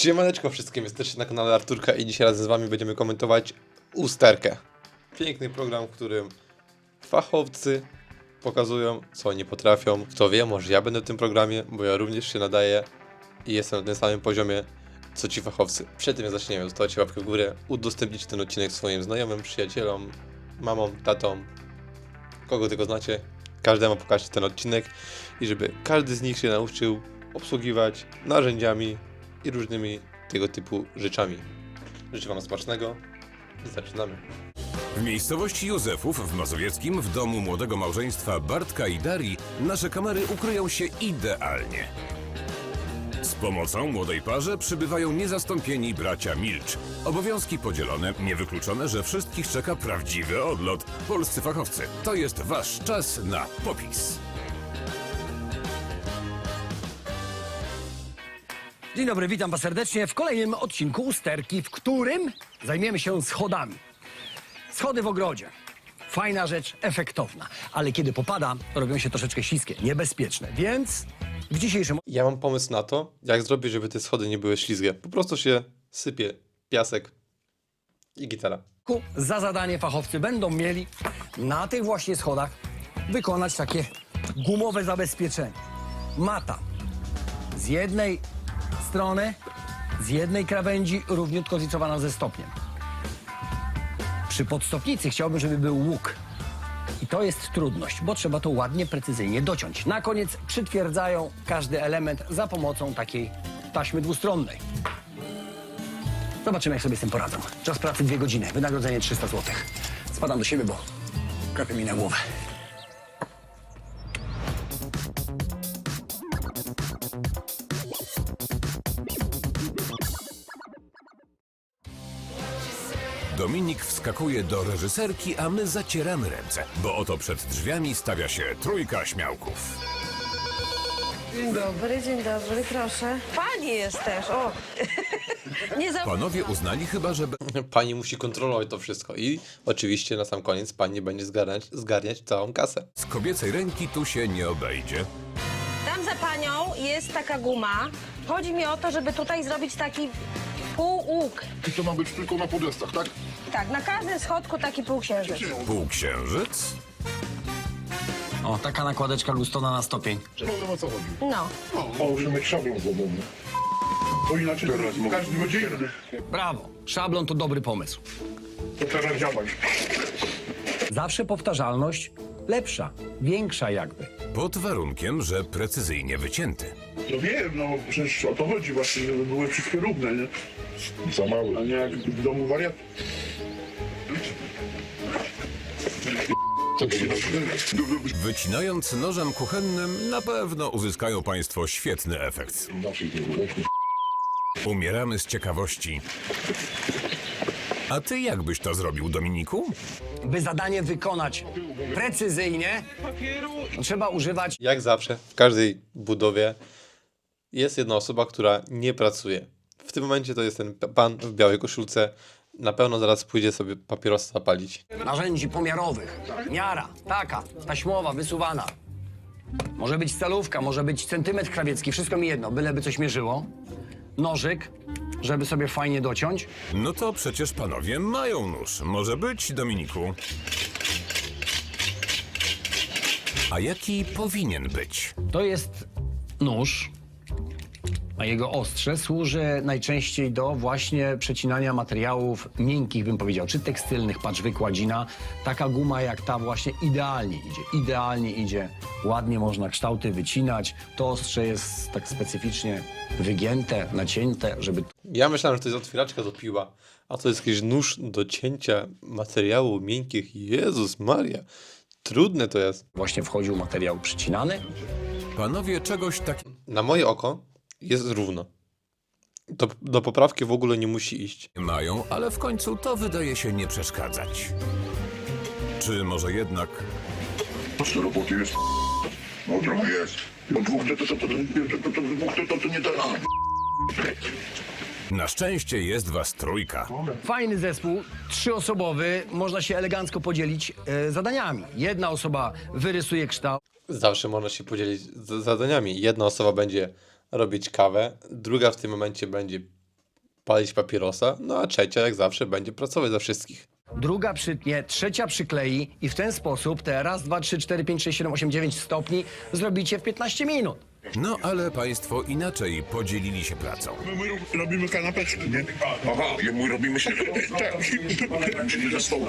Siemaneczko wszystkim, jesteście na kanale Arturka i dzisiaj razem z wami będziemy komentować usterkę. Piękny program, w którym fachowcy pokazują, co oni potrafią. Kto wie, może ja będę w tym programie, bo ja również się nadaję i jestem na tym samym poziomie, co ci fachowcy. Przed tym jak zaczniemy, zostawcie łapkę w górę, udostępnić ten odcinek swoim znajomym, przyjacielom, mamom, tatą, kogo tylko znacie. Każdemu pokażcie ten odcinek i żeby każdy z nich się nauczył obsługiwać narzędziami i różnymi tego typu rzeczami. Życzę wam smacznego i zaczynamy. W miejscowości Józefów w Mazowieckim, w domu młodego małżeństwa Bartka i Darii, nasze kamery ukryją się idealnie. Z pomocą młodej parze przybywają niezastąpieni bracia Milcz. Obowiązki podzielone, niewykluczone, że wszystkich czeka prawdziwy odlot. Polscy fachowcy, to jest wasz czas na popis. Dzień dobry, witam was serdecznie w kolejnym odcinku usterki, w którym zajmiemy się schodami. Schody w ogrodzie. Fajna rzecz, efektowna, ale kiedy popada, to robią się troszeczkę śliskie, niebezpieczne, więc w dzisiejszym Ja mam pomysł na to, jak zrobić, żeby te schody nie były ślizgie. Po prostu się sypie piasek i gitara. odcinku za zadanie fachowcy będą mieli na tych właśnie schodach wykonać takie gumowe zabezpieczenie. Mata z jednej strony, z jednej krawędzi równiutko zlicowana ze stopniem. Przy podstopnicy chciałbym, żeby był łuk. I to jest trudność, bo trzeba to ładnie, precyzyjnie dociąć. Na koniec przytwierdzają każdy element za pomocą takiej taśmy dwustronnej. Zobaczymy, jak sobie z tym poradzą. Czas pracy 2 godziny, wynagrodzenie 300 zł. Spadam do siebie, bo kapie mi na głowę. Dominik wskakuje do reżyserki, a my zacieramy ręce, bo oto przed drzwiami stawia się trójka śmiałków. Dzień dobry, proszę. Pani jest też, o. Nie za... Panowie uznali chyba, że Pani musi kontrolować to wszystko i oczywiście na sam koniec pani będzie zgarniać całą kasę. z kobiecej ręki tu się nie obejdzie. Tam za panią jest taka guma. Chodzi mi o to, żeby tutaj zrobić taki półłuk. I to ma być tylko na podestach, tak? Tak, na każdym schodku taki półksiężyc. Półksiężyc? O, taka nakładeczka gustona na stopień. No wiem o co chodzi. No. O, musimy mieć szablon złomowny. Bo inaczej każdy będzie inny. Brawo, szablon to dobry pomysł. To teraz działać. Zawsze powtarzalność lepsza, większa jakby. Pod warunkiem, że precyzyjnie wycięty. No wiem, no przecież o to chodzi właśnie, żeby były wszystkie równe, nie? Za małe, a nie jak w domu wariat. Wycinając nożem kuchennym, na pewno uzyskają państwo świetny efekt. Umieramy z ciekawości. A ty jak byś to zrobił, Dominiku? By zadanie wykonać precyzyjnie, trzeba używać Jak zawsze, w każdej budowie jest jedna osoba, która nie pracuje. W tym momencie to jest ten pan w białej koszulce. Na pewno zaraz pójdzie sobie papierosa zapalić. narzędzi pomiarowych. Miara, taka, taśmowa, wysuwana. Może być stalówka, może być centymetr krawiecki, wszystko mi jedno, byleby coś mierzyło. Nożyk, żeby sobie fajnie dociąć. No to przecież panowie mają nóż. Może być, Dominiku? A jaki powinien być? To jest nóż, a jego ostrze służy najczęściej do właśnie przecinania materiałów miękkich, bym powiedział, czy tekstylnych, patrz wykładzina. Taka guma jak ta właśnie idealnie idzie, ładnie można kształty wycinać. To ostrze jest tak specyficznie wygięte, nacięte, żeby Ja myślałem, że to jest otwieraczka do piła, a to jest jakiś nóż do cięcia materiałów miękkich. Jezus Maria, trudne to jest. właśnie wchodził materiał przycinany. Panowie czegoś takiego Na moje oko jest równo. To do poprawki w ogóle nie musi iść. mają, ale w końcu to wydaje się nie przeszkadzać. Czy może jednak Co roboty jest? No trochę jest. No dwóch to nie da. na szczęście jest was trójka? Fajny zespół, 3-osobowy, można się elegancko podzielić zadaniami. Jedna osoba wyrysuje kształt, Zawsze można się podzielić zadaniami. Jedna osoba będzie robić kawę, druga w tym momencie będzie palić papierosa, no a trzecia jak zawsze będzie pracować za wszystkich. Druga przytnie, trzecia przyklei i w ten sposób te raz, 2, 3, 4, 5, 6, 7, 8, 9 stopni zrobicie w 15 minut. No ale państwo inaczej podzielili się pracą. My robimy kanapeczki, nie? Aha, my robimy się... Tak, czyli za stołu.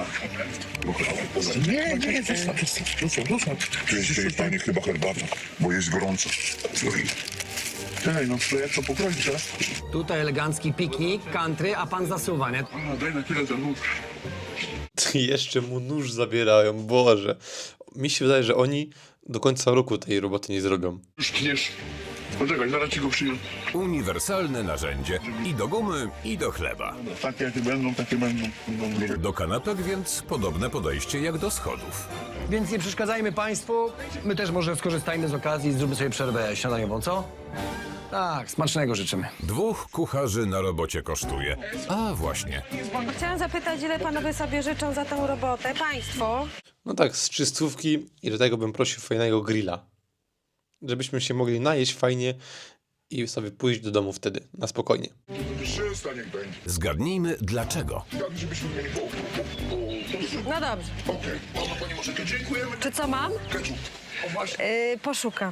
Nie, zostaw. Tu jest pani chyba herbata, bo jest gorąco. Ej, no to jak to pokroić teraz? Tutaj elegancki piknik, country, a pan zasuwa, nie? Daj na chwilę ten nóż. Jeszcze mu nóż zabierają, Boże. Mi się wydaje, że oni do końca roku tej roboty nie zrobią. Już tniesz. Poczekaj, zaraz ci go przyjąć. Uniwersalne narzędzie i do gumy, i do chleba. Takie jakie będą, takie będą. Do kanapek więc podobne podejście jak do schodów. Więc nie przeszkadzajmy państwu. My też może skorzystajmy z okazji i zróbmy sobie przerwę śniadaniową, co? Tak, smacznego życzymy. 2 kucharzy na robocie kosztuje. A właśnie, Chciałam zapytać, ile panowie sobie życzą za tą robotę? Państwo? No tak, z 300 i do tego bym prosił fajnego grilla. Żebyśmy się mogli najeść fajnie i sobie pójść do domu wtedy, na spokojnie. Przestań jak będzie. zgadnijmy dlaczego. Tak, żebyśmy mieli po... No dobrze. Okej, pani może dziękujemy. Czy co mam? Ketchup. O właśnie. Poszukam.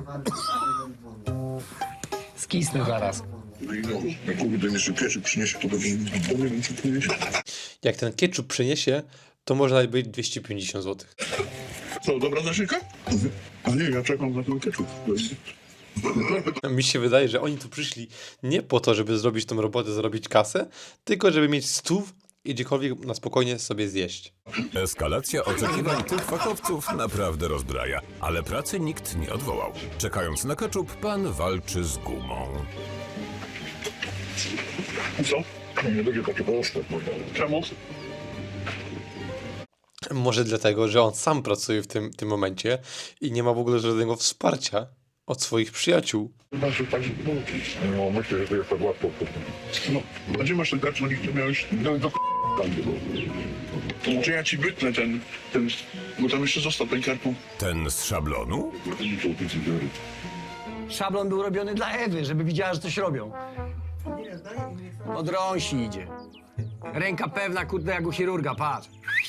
Skisnę zaraz. No kurde, jeszcze ketchup przyniesie, to będzie... Nie wiem, co przyniesie. Jak ten ketchup przyniesie, to można być 250 zł. Co, dobra naszyjka? A nie, ja czekam na ten ketchup. Mi się wydaje, że oni tu przyszli nie po to, żeby zrobić tą robotę, zarobić kasę, tylko żeby mieć stów i gdziekolwiek na spokojnie sobie zjeść. Eskalacja oczekiwań tych fachowców naprawdę rozbraja, ale pracy nikt nie odwołał. Czekając na ketchup, pan walczy z gumą. Co? Nie będzie takie proste. Czemu? Może dlatego, że on sam pracuje w tym momencie i nie ma w ogóle żadnego wsparcia od swoich przyjaciół. Znaczy, tak, no myślę, że to jest tak łatwo. No, a gdzie masz ten kartlonik, to miałeś... No, do to może ja ci wytnę ten... Bo tam jeszcze został ten karton. Ten z szablonu? Szablon był robiony dla Ewy, żeby widziała, że coś robią. Od rąsi idzie. Ręka pewna, kurde, jak u chirurga, patrz.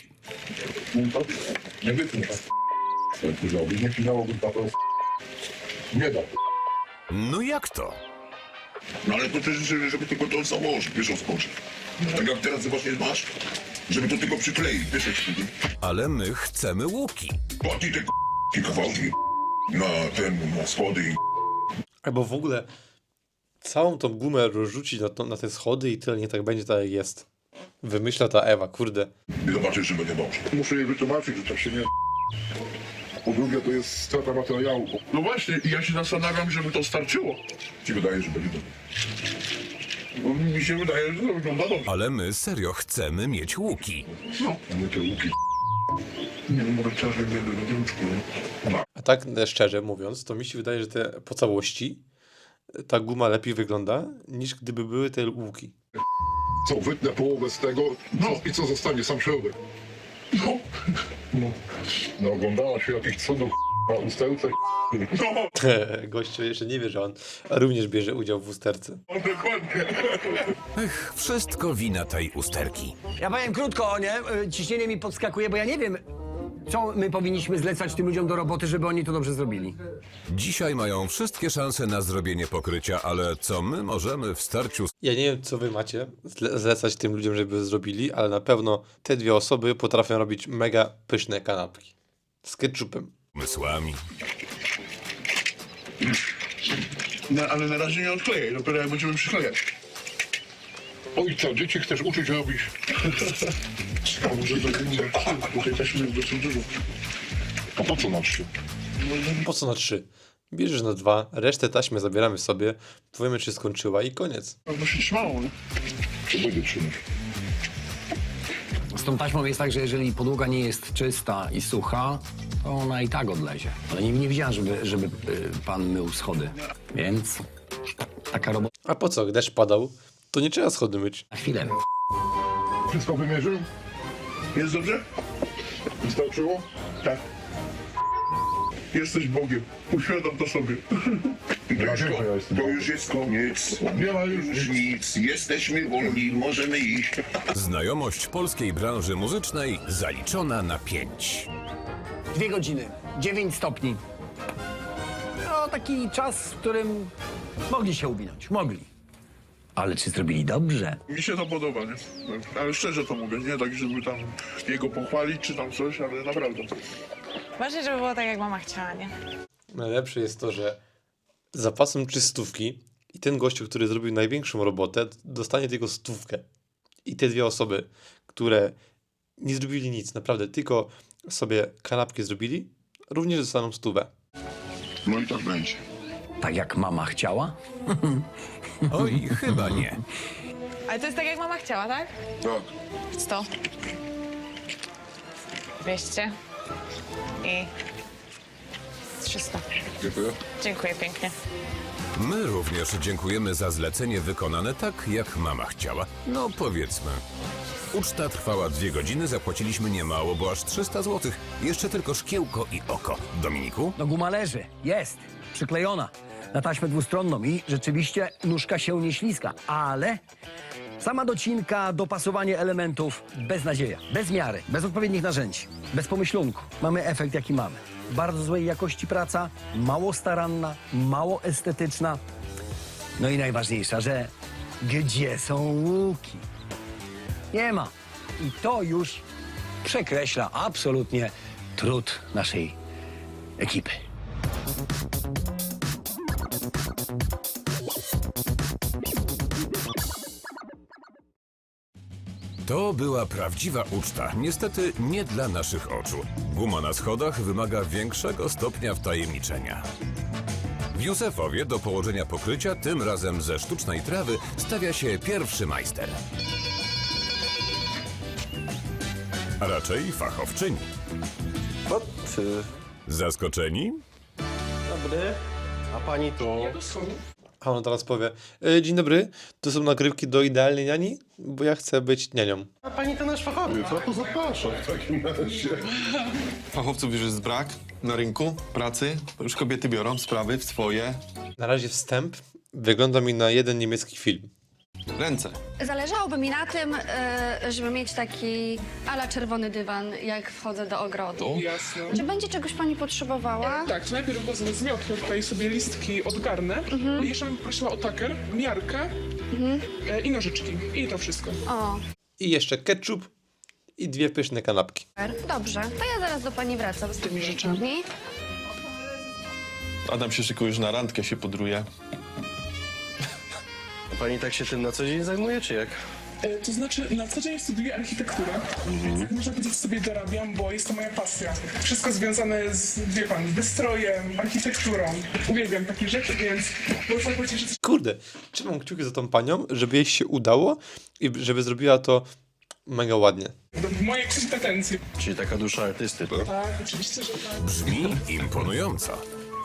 Nie wytnę. Nie finałowy paweł. Nie da. No jak to? No ale to też, żeby tylko to założyć, wiesz o skoczy. Tak jak teraz właśnie masz, żeby to tylko przykleić, wiesz jak wtedy. Ale my chcemy łuki. Płatnij te kawałki na schody i... Albo w ogóle całą tą gumę rozrzucić na te schody i tyle, nie tak będzie tak jak jest. Wymyśla ta Ewa, kurde. I zobaczysz, że będzie dobrze. Muszę jej wytłumaczyć, że tak się nie... Po drugie, to jest strata materiału. No właśnie, i ja się zastanawiam, żeby to starczyło. Ci wydaje, że będzie dobrze. No, mi się wydaje, że to wygląda dobrze. Ale my serio chcemy mieć łuki. No, nie te łuki. Nie wiem, może trzeba, żeby nie łuczku, nie? A tak szczerze mówiąc, to mi się wydaje, że po całości ta guma lepiej wygląda, niż gdyby były te łuki. Co, wytnę połowę z tego i co zostanie, sam środek. No. No, oglądała się jakichś cudów na ustełce. No, Gościu jeszcze nie wie, że on również bierze udział w usterce. dokładnie. Ech, wszystko wina tej usterki. Ja powiem krótko, nie? Ciśnienie mi podskakuje, bo ja nie wiem, co my powinniśmy zlecać tym ludziom do roboty, żeby oni to dobrze zrobili. Dzisiaj mają wszystkie szanse na zrobienie pokrycia, ale co my możemy w starciu Ja nie wiem, co wy macie zlecać tym ludziom, żeby zrobili, ale na pewno te dwie osoby potrafią robić mega pyszne kanapki. Z ketchupem. umysłami? No, ale na razie nie odklejaj, dopiero jak będziemy przyklejać. Oj, co, dzieci chcesz uczyć robić? A może to będzie... Tutaj też jest dosyć dużo. A po co na 3? Po co na 3? Bierzesz na 2, resztę taśmy zabieramy sobie, powiemy, czy skończyła i koniec. No się trzymało, nie? Co będzie trzymać? Z tą taśmą jest tak, że jeżeli podłoga nie jest czysta i sucha, to ona i tak odlezie. Ale nie widziałem, żeby pan mył schody. Więc taka robota A po co? Deszcz padał, to nie trzeba schody myć. na chwilę. Wszystko wymierzył? Jest dobrze? Wystarczyło? Tak. Jesteś Bogiem. Uświadom to sobie. Dlaczego ja jestem To już jest koniec. Nie ma Już nic. Jesteśmy wolni, możemy iść. Znajomość polskiej branży muzycznej zaliczona na 5. 2 godziny, 9 stopni. No, taki czas, w którym mogli się uwinąć, mogli. Ale czy zrobili dobrze? Mi się to podoba, nie? Ale szczerze to mówię, nie tak, żeby tam jego pochwalić czy tam coś, ale naprawdę. Ważne, żeby było tak, jak mama chciała, nie? Najlepsze jest to, że zapasem 300 i ten gościu, który zrobił największą robotę, dostanie tylko 100. I te 2 osoby, które nie zrobili nic, naprawdę, tylko sobie kanapki zrobili, również dostaną 100. No i tak będzie. Tak jak mama chciała? Oj, chyba nie. Ale to jest tak, jak mama chciała, tak? Tak. 100. 200. I 300. Dziękuję. Dziękuję pięknie. My również dziękujemy za zlecenie wykonane tak, jak mama chciała. No powiedzmy. Uczta trwała 2 godziny, zapłaciliśmy niemało, bo aż 300 zł. Jeszcze tylko szkiełko i oko. Dominiku? No guma leży, jest, przyklejona na taśmę dwustronną i rzeczywiście nóżka się nie śliska, ale sama docinka, dopasowanie elementów, beznadzieja, bez miary, bez odpowiednich narzędzi, bez pomyślunku. Mamy efekt, jaki mamy. Bardzo złej jakości praca, mało staranna, mało estetyczna. No i najważniejsza, że gdzie są łuki? Nie ma. I to już przekreśla absolutnie trud naszej ekipy. To była prawdziwa uczta. Niestety nie dla naszych oczu. Guma na schodach wymaga większego stopnia wtajemniczenia. W Józefowie do położenia pokrycia, tym razem ze sztucznej trawy, stawia się pierwszy majster. A raczej fachowczyni. Zaskoczeni? Dobry. A pani to? A on teraz powie, dzień dobry, to są nagrywki do Idealnej Niani, bo ja chcę być nianią. A pani to nasz fachowiec. No to zapraszam w takim razie. Fachowców już jest brak na rynku pracy. Już kobiety biorą sprawy w swoje Na razie wstęp wygląda mi na jeden niemiecki film. ręce. Zależałoby mi na tym, żeby mieć taki ala czerwony dywan, jak wchodzę do ogrodu. Jasne. Czy będzie czegoś pani potrzebowała? Tak, to najpierw go zmiotnę, tutaj sobie listki odgarnę. Jeszcze bym prosiła o taker, miarkę i nożyczki. I to wszystko. O, I jeszcze ketchup i 2 pyszne kanapki. dobrze. To ja zaraz do pani wracam z tymi rzeczami. Adam się szykuje już na randkę, się podruje. A pani tak się tym na co dzień zajmuje, czy jak? To znaczy, na co dzień studiuję architekturę. Więc można powiedzieć, sobie dorabiam, bo jest to moja pasja. Wszystko związane z, wie pan, wystrojem, architekturą. Uwielbiam takie rzeczy, więc można powiedzieć, że Kurde, trzymam kciuki za tą panią, żeby jej się udało i żeby zrobiła to mega ładnie. w mojej kompetencji. Czyli taka dusza artysty, to? Tak, oczywiście, że tak. Brzmi imponująco.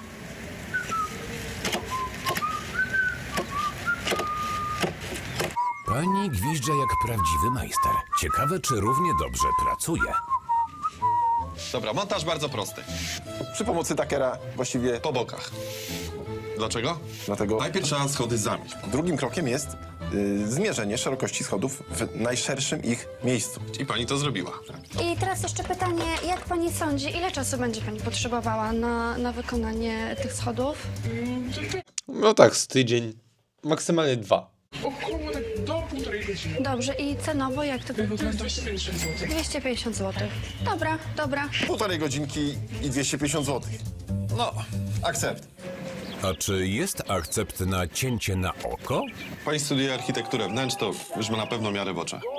Pani gwizdża jak prawdziwy majster. Ciekawe, czy równie dobrze pracuje. Dobra, montaż bardzo prosty. Przy pomocy takera właściwie Po bokach. Dlaczego? dlatego Najpierw trzeba schody zamieść. drugim krokiem jest zmierzenie szerokości schodów w najszerszym ich miejscu. I pani to zrobiła. I teraz jeszcze pytanie, jak pani sądzi, ile czasu będzie pani potrzebowała na wykonanie tych schodów? No tak, z tydzień, maksymalnie 2. Około tak do 1,5 godziny. Dobrze, i cenowo jak to To jest 250 zł. 250 zł. Dobra, dobra. 1,5 godzinki i 250 zł. No, akcept. A czy jest akcept na cięcie na oko? Pani studiuje architekturę wnętrz, to już ma na pewno miarę w oczach.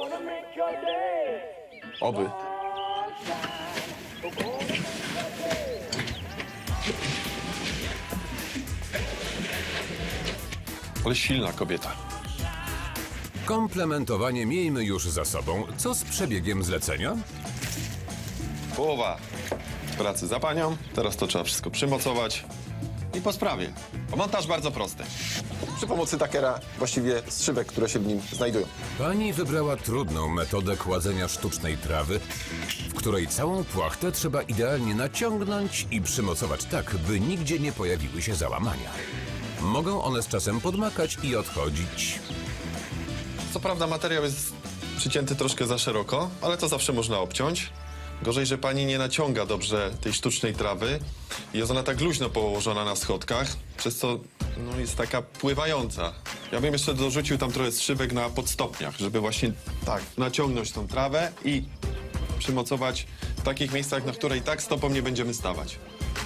Oby. Ale silna kobieta. Komplementowanie miejmy już za sobą. Co z przebiegiem zlecenia? Połowa pracy za panią. Teraz to trzeba wszystko przymocować. i po sprawie. Montaż bardzo prosty. Przy pomocy takera właściwie strzybek, które się w nim znajdują. Pani wybrała trudną metodę kładzenia sztucznej trawy, w której całą płachtę trzeba idealnie naciągnąć i przymocować tak, by nigdzie nie pojawiły się załamania. Mogą one z czasem podmakać i odchodzić. Co prawda materiał jest przycięty troszkę za szeroko, ale to zawsze można obciąć. Gorzej, że pani nie naciąga dobrze tej sztucznej trawy i jest ona tak luźno położona na schodkach, przez co no, jest taka pływająca. Ja bym jeszcze dorzucił tam trochę strzybek na podstopniach, żeby właśnie tak naciągnąć tą trawę i przymocować w takich miejscach, na które i tak stopą nie będziemy stawać.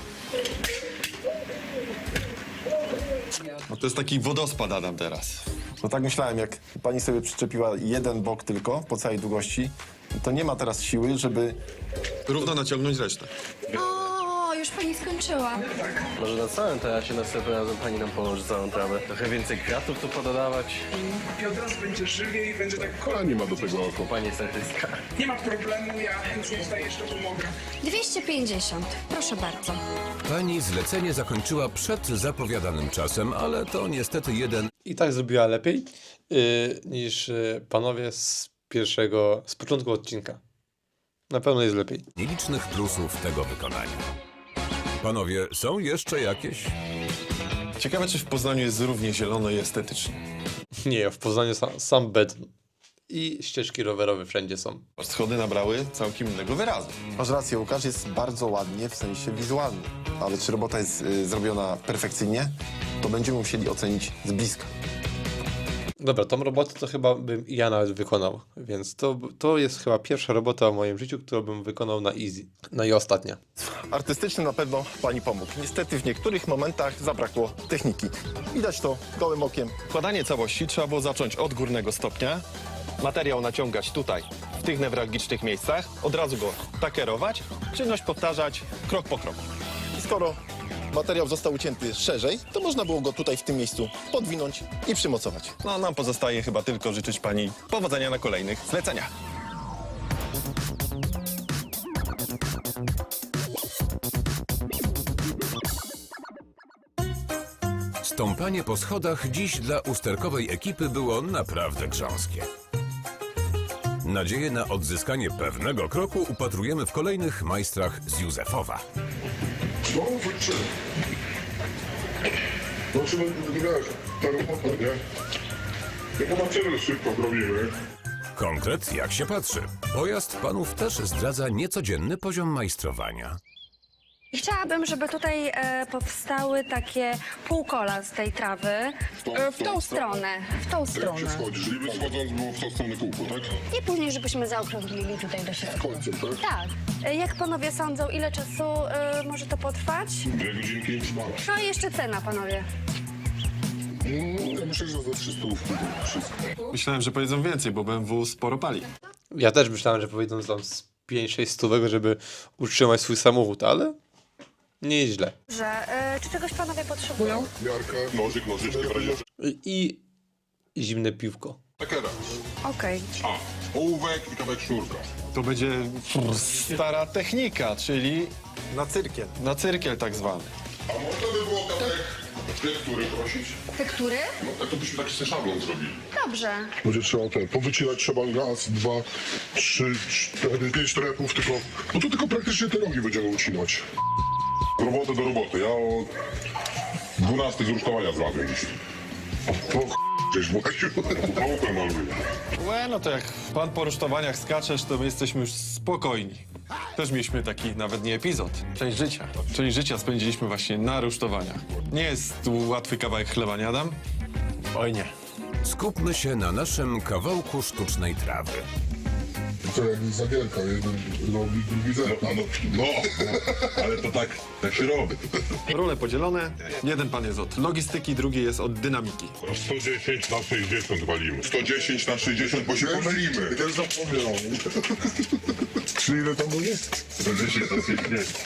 No to jest taki wodospad, Adam, teraz. No tak myślałem, jak pani sobie przyczepiła jeden bok tylko po całej długości, to nie ma teraz siły, żeby... Równo naciągnąć resztę. O, już pani skończyła. Może na całym tarasie następnym razem pani nam pomoże całą trawę. Trochę więcej kwiatów tu pododawać. I od razu będzie żywiej, będzie tak A nie ma do tego oko. Pani jest artystka. Nie ma problemu, ja chętnie tutaj jeszcze pomogę. 250, proszę bardzo. Pani zlecenie zakończyła przed zapowiadanym czasem, ale to niestety jeden I tak zrobiła lepiej niż panowie z początku odcinka. Na pewno jest lepiej. nielicznych plusów tego wykonania. Panowie, są jeszcze jakieś? Ciekawe, czy w Poznaniu jest równie zielono i estetycznie. Nie, w Poznaniu sam beton. I ścieżki rowerowe wszędzie są. Schody nabrały całkiem innego wyrazu. Masz rację, Łukasz, jest bardzo ładnie w sensie wizualnym. Ale czy robota jest zrobiona perfekcyjnie, to będziemy musieli ocenić z bliska. Dobra, tą robotę to chyba bym ja nawet wykonał, więc to jest chyba pierwsza robota w moim życiu, którą bym wykonał na easy. No i ostatnia. Artystyczny na pewno pani pomógł. Niestety w niektórych momentach zabrakło techniki. Widać to gołym okiem. Wkładanie całości trzeba było zacząć od górnego stopnia, materiał naciągać tutaj, w tych newralgicznych miejscach, od razu go takerować, czynność powtarzać krok po kroku. I skoro materiał został ucięty szerzej, to można było go tutaj w tym miejscu podwinąć i przymocować. No, nam pozostaje chyba tylko życzyć pani powodzenia na kolejnych zleceniach. Stąpanie po schodach dziś dla usterkowej ekipy było naprawdę grząskie. Nadzieję na odzyskanie pewnego kroku upatrujemy w kolejnych majstrach z Józefowa. No, wyczy. Znaczy, wiesz, ta robota, nie? Jak ona tyle szybko zrobimy. Konkret jak się patrzy. Pojazd panów też zdradza niecodzienny poziom majstrowania. Chciałabym, żeby tutaj powstały takie półkola z tej trawy. W tą stronę, w tą Jak się stronę. schodzi, czyli wyschodząc było w tą stronę kółko, tak? I później, żebyśmy zaokrąglili tutaj do środka. Końcem, tak? Tak. Jak panowie sądzą, ile czasu może to potrwać? 2 godzinki i szmala. No i jeszcze cena, panowie. Ja myślę, że za 300 wszystko. Myślałem, że powiedzą więcej, bo BMW sporo pali. Ja też myślałem, że powiedzą tam z 5-6 stówek, żeby utrzymać swój samochód, ale nie jest źle. Że, czy czegoś panowie potrzebują? Miarkę, nożyk, nożyczkę, I zimne piwko. takera. Okej. A, ołówek i kawałek sznurka. To będzie stara technika, czyli Na cyrkiel. na cyrkiel tak zwany. A można by było kawałek tektury prosić? Tektury? No, tak to byśmy taki szablon zrobili. Dobrze. Będzie trzeba powycinać trzeba raz, 2, 3, 4, 5 trepów, tylko... No to tylko praktycznie te rogi będziemy ucinać. Robotę do roboty. Ja o 12 z rusztowania złapię dziś. To gdzieś małpę maluję. Łe, no to jak pan po rusztowaniach skaczesz, to my jesteśmy już spokojni. Też mieliśmy taki nawet nie epizod, część życia. Część życia spędziliśmy właśnie na rusztowaniach. Nie jest tu łatwy kawałek chleba, nie Adam? Oj nie. Skupmy się na naszym kawałku sztucznej trawy. To jak zagielka, jeden robi, drugi zerka. No, ale to tak się robi. Role podzielone. Jeden pan jest od logistyki, drugi jest od dynamiki. 110 na 60 walimy. 110 na 60, bo się pomylimy. Ja też zapomniałem. Czy ile tam było? 110 na 60.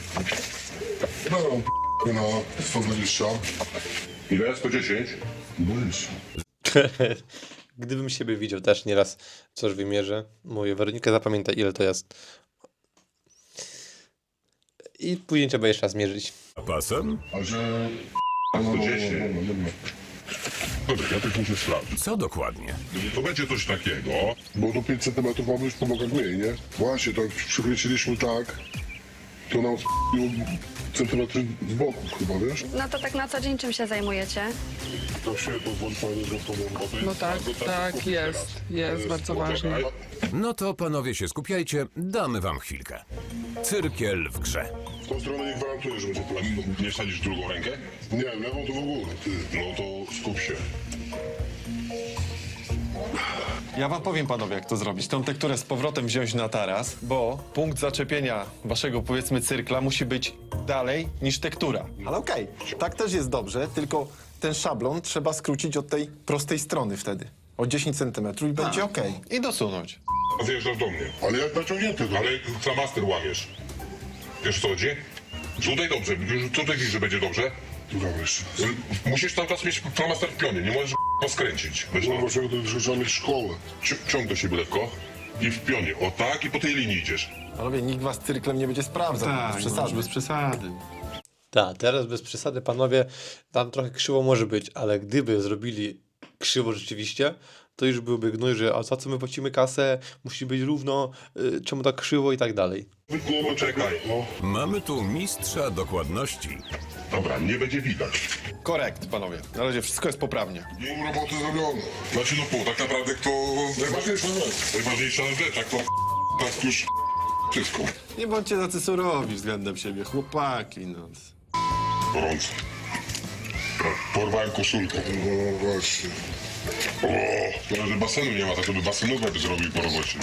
No, na 120. Ile? 110? Boisz. Gdybym siebie widział też nieraz coś wymierzę. Mówię, Weronika, zapamiętaj ile to jest. i później trzeba jeszcze raz mierzyć. A pasem? A że... A 110. Dobra, ja też muszę sprawdzić. Co dokładnie? To będzie coś takiego, bo do 5 cm mamy już po nogach mniej, nie? Właśnie, tak przykręciliśmy tak, to nam centymetry z boku chyba, wiesz? No to tak na co dzień czym się zajmujecie? To się pozwoli fajnie, że to No tak, jest bardzo ważne. No to panowie się skupiajcie, damy wam chwilkę. Cyrkiel w grze. W tą stronę nie gwarantuję, że będzie prosto. Nie wsadzisz drugą rękę? Nie, lewą to w ogóle, ty. No to skup się. Ja wam powiem, panowie, jak to zrobić. Tą tekturę z powrotem wziąć na taras, bo punkt zaczepienia waszego, powiedzmy, cyrkla musi być dalej niż tektura. Ale okej, tak też jest dobrze, tylko ten szablon trzeba skrócić od tej prostej strony wtedy. O 10 cm i będzie okej. I dosunąć. Zjeżdżasz do mnie. Ale jak naciągnięty to. Ale flamaster łamiesz. Wiesz co chodzi? Tutaj dobrze, tutaj widzisz, że będzie dobrze. Dobra, wiesz. Musisz cały czas mieć flamaster w pionie, nie możesz skręcić. Kurwa, trzeba mieć szkołę. Ciąg do siebie lekko i w pionie. O tak i po tej linii idziesz. Panowie, nikt was cyrklem nie będzie sprawdzał. bez przesady. Tak, teraz bez przesady, panowie, tam trochę krzywo może być, ale gdyby zrobili krzywo rzeczywiście, to już byłby gnój, że a za co my płacimy kasę, musi być równo, czemu tak krzywo i tak dalej. Poczekaj. Mamy tu mistrza dokładności. Dobra, nie będzie widać. Korekt, panowie. Na razie wszystko jest poprawnie. Im roboty zrobione. Znaczy no pół, tak naprawdę to Najważniejsza rzecz. najważniejsza rzecz, jak to tak już wszystko. Nie bądźcie tacy surowi względem siebie, chłopaki, no. Gorąco. Porwałem koszulkę. No właśnie. O, szkoda, że basenu nie ma, tak żeby basenówę by zrobił po robocie.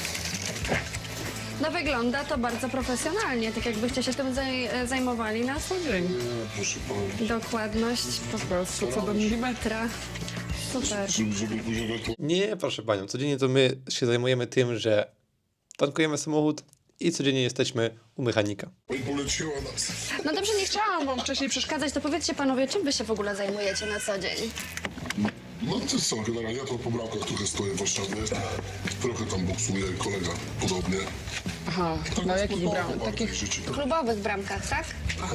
No wygląda to bardzo profesjonalnie, tak jakbyście się tym zajmowali na co dzień. Proszę pana. Dokładność Po prostu co do milimetra. super. Żeby później to... Nie, proszę panią, codziennie to my się zajmujemy tym, że tankujemy samochód i codziennie jesteśmy u mechanika. I poleciła nas. No dobrze, nie chciałam wam wcześniej przeszkadzać, to powiedzcie panowie, czym wy się w ogóle zajmujecie na co dzień? No to co, generalnie ja to po bramkach trochę stoję w Warszawie. Trochę tam boksuje kolega podobnie. Aha, Tak na jest jakich sportowo bram? bardziej Takich życie. W klubowych bramkach, tak?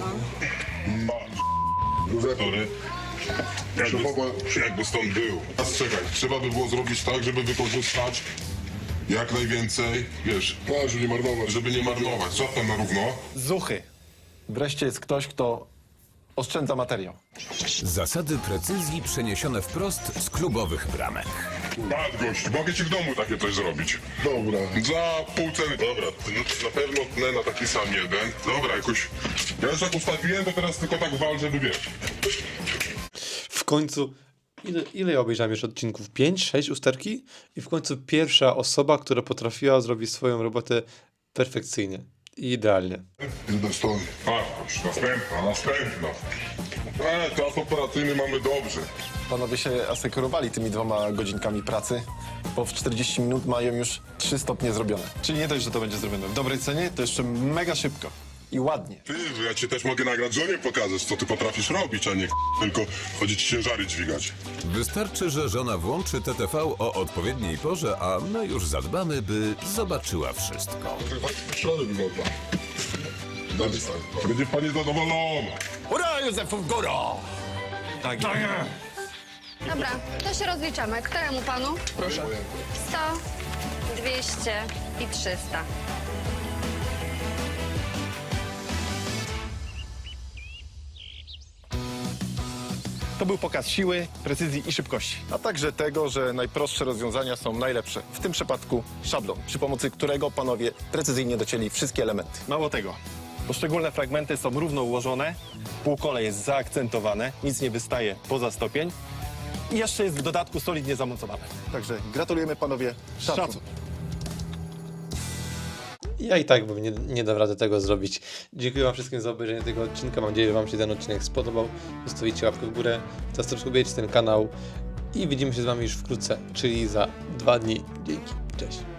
Sorry. Jakby stąd był. Teraz czekaj, trzeba by było zrobić tak, żeby wykorzystać jak najwięcej, wiesz, Tak, żeby nie marnować. żeby nie marnować. Złapę na równo. Zuchy. Wreszcie jest ktoś, kto oszczędza materiał. Zasady precyzji przeniesione wprost z klubowych bramek. Bad gość, mogę ci w domu takie coś zrobić. Dobra. Za pół ceny. Dobra, to na pewno tnę na taki sam jeden. Dobra, jakoś... Ja już tak ustawiłem, to teraz tylko tak wal, żeby wiesz. W końcu, ile ja obejrzałem już odcinków? 5, 6 usterki? I w końcu pierwsza osoba, która potrafiła zrobić swoją robotę perfekcyjnie i idealnie. Jeden stoi. Patrz, następna. Czas operacyjny mamy dobrze. Panowie się asekurowali tymi 2 godzinkami pracy, bo w 40 minut mają już 3 stopnie zrobione. Czyli nie dość, że to będzie zrobione w dobrej cenie, to jeszcze mega szybko i ładnie. Ty, ja ci też mogę nagrać żonie pokazać, co ty potrafisz robić, a nie tylko chodzić ciężary dźwigać. Wystarczy, że żona włączy TTV o odpowiedniej porze, a my już zadbamy, by zobaczyła wszystko. Środek wygląda. Dalej stoi. Będzie pani zadowolona. Hurra, Józefów, góro! Tak. Dobra, to się rozliczamy. Któremu panu? proszę. 100, 200 i 300. To był pokaz siły, precyzji i szybkości. A także tego, że najprostsze rozwiązania są najlepsze. W tym przypadku szablon, przy pomocy którego panowie precyzyjnie docięli wszystkie elementy. Mało tego, poszczególne fragmenty są równo ułożone, półkole jest zaakcentowane, nic nie wystaje poza stopień i jeszcze jest w dodatku solidnie zamontowane. Także gratulujemy panowie. Szacun. Ja i tak bym nie dał rady tego zrobić. Dziękuję wam wszystkim za obejrzenie tego odcinka. Mam nadzieję, że wam się ten odcinek spodobał. Zostawicie łapkę w górę, zasubskrybujecie ten kanał i widzimy się z wami już wkrótce, czyli za 2 dni. Dzięki, cześć.